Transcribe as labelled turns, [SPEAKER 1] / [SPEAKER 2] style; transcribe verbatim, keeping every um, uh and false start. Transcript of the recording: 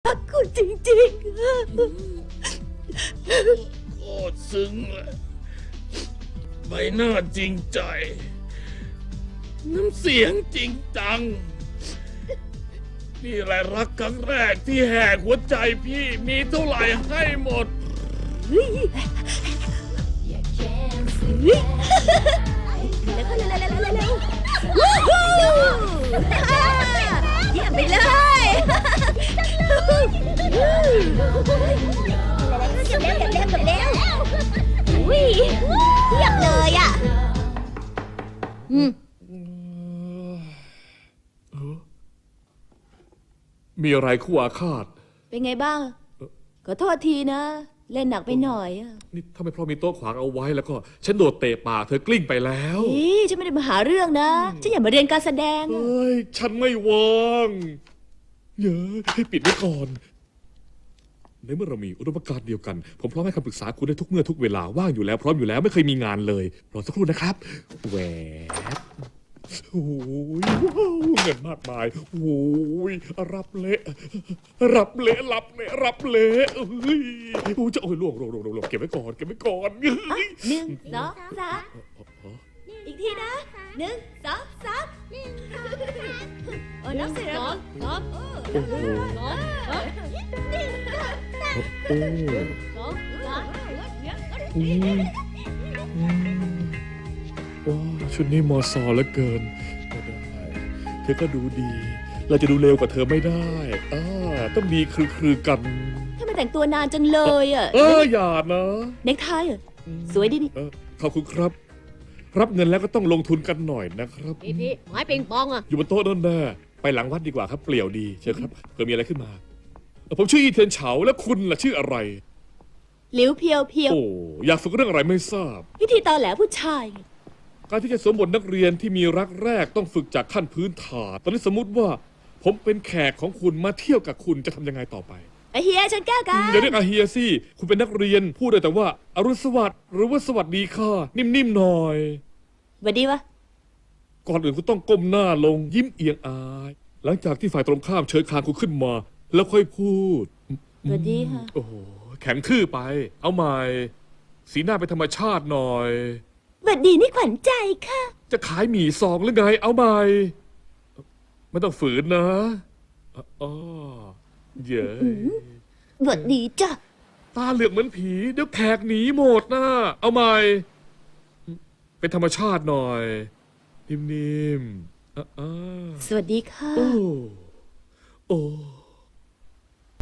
[SPEAKER 1] รักคุณจริงๆ
[SPEAKER 2] โคตรซึ้งเลยใบหน้าจริงใจ น้ำเสียงจริงจัง นี่แหละรักครั้งแรกที่แหกหัวใจพี่มีเท่าไหร่ให้หมด
[SPEAKER 1] เฮ้ยแล้วก็เร็วๆๆๆๆวู้ฮู้เยี่ยมไปเลยเก็บแล้วเก็บแล้วเก็บแล้วอุ้ยเยี่ยมเลยอ่ะอืม
[SPEAKER 2] มีอะไรคู่อาฆาต
[SPEAKER 1] เป็นไงบ้างขอโทษทีนะ เล่นหนักไปหน่อยอ่ะ
[SPEAKER 2] นี่ถ้าไม่เพราะมีโต๊ะขวางเอาไว้แล้วก็ฉันโดดเตะปากเธอกลิ้งไปแล้ว
[SPEAKER 1] นี่ฉันไม่ได้มาหาเรื่องนะฉันอยากมาเรียนการแสดงอะ
[SPEAKER 2] เฮ้ย ฉันไม่ว่างเยอะให้ปิดไว้ก่อน ในเมื่อเรามีอุดมการณ์เดียวกัน ผมพร้อมให้คำปรึกษาคุณได้ทุกเมื่อทุกเวลาว่างอยู่แล้วพร้อมอยู่แล้วไม่เคยมีงานเลย รอสักครู่นะครับแหวบโอ้ยว้าวเงินมากมายโอ้ยรับเละรับเละรับเละรับเละเอ้ยโอ้ยจะโอ้ยล่วงล่วงล่วงล่วงเก็บไว้ก่อนเก็บไว้ก่อนเฮ้ย
[SPEAKER 1] หนึ่งสองสามอีกทีนะหนึ่งสองสามเออนับสิสองสอง
[SPEAKER 2] โอ้โห
[SPEAKER 1] สองสอง
[SPEAKER 2] โอ้
[SPEAKER 1] สองสาม
[SPEAKER 2] อืมอืมว้าวชุดนี้มอซอเหลือเกินไม่ได้เธอก็ดูดี เราจะดูเร็วกว่าเธอไม่ได้อ่าต้องดีคือคือกัน
[SPEAKER 1] ทำไมแต่งตัวนานจังเลยอ่ะ
[SPEAKER 2] เอออย่านะ
[SPEAKER 1] เน็กไทอ่ะสวยดีนี่
[SPEAKER 2] เออขอบคุณครับ รับเงินแล้วก็ต้องลงทุนกันหน่อยนะครับ
[SPEAKER 3] พี่พี่ไม้ปิงปองอ่ะ
[SPEAKER 2] อยู่บนโต๊ะนั่นแน่ไปหลังวัดดีกว่าครับ เปลี่ยวดีเชิญครับเผื่อมีอะไรขึ้นมาเอ่อผมชื่ออีเทียนเฉาแล้วคุณล่ะชื่ออะไร
[SPEAKER 1] หลิวเพียวเพียว
[SPEAKER 2] โอ้อยากฝึกเรื่องอะไรไม่ทราบ
[SPEAKER 1] พิธีตอแหลผู้ชายไง
[SPEAKER 2] การที่จะสวมบทนักเรียนที่มีรักแรกต้องฝึกจากขั้นพื้นฐาน ตอนนี้สมมติว่า ผมเป็นแขกของคุณมาเที่ยวกับคุณจะทำยังไงต่อไป
[SPEAKER 1] ไอเฮียฉันแก้วกัน
[SPEAKER 2] อย่าเรียกอาเฮียสิคุณเป็นนักเรียน พูดได้แต่ว่าอรุณสวัสดิ์หรือว่าสวัสดีค่ะ นิ่มๆหน่อย
[SPEAKER 1] สวัสดีวะ
[SPEAKER 2] ก่อนอื่นคุณต้องก้มหน้าลงยิ้มเอียงอาย หลังจากที่ฝ่ายตรงข้ามเชิญคางคุณขึ้นมา แล้วค่อยพูด
[SPEAKER 1] สวัสดีค่ะ
[SPEAKER 2] โอ้โหแข็งทื่อไป เอาใหม่ สีหน้าเป็นธรรมชาติหน่อย
[SPEAKER 1] สวัสดีนี่ขวัญใจค่ะ
[SPEAKER 2] จะขายหมี่ซองหรือไง เอาใหม่ ไม่ต้องฝืนนะอ๋อเย้ย
[SPEAKER 1] สวัสดีจ้ะ
[SPEAKER 2] ตาเหลือกเหมือนผี เดี๋ยวแขกหนีหมดนะ เอาใหม่ เป็นธรรมชาติหน่อย นิ่มๆอ่ะอ่ะ
[SPEAKER 1] สวัสดีค่ะ
[SPEAKER 2] โอ้ โอ้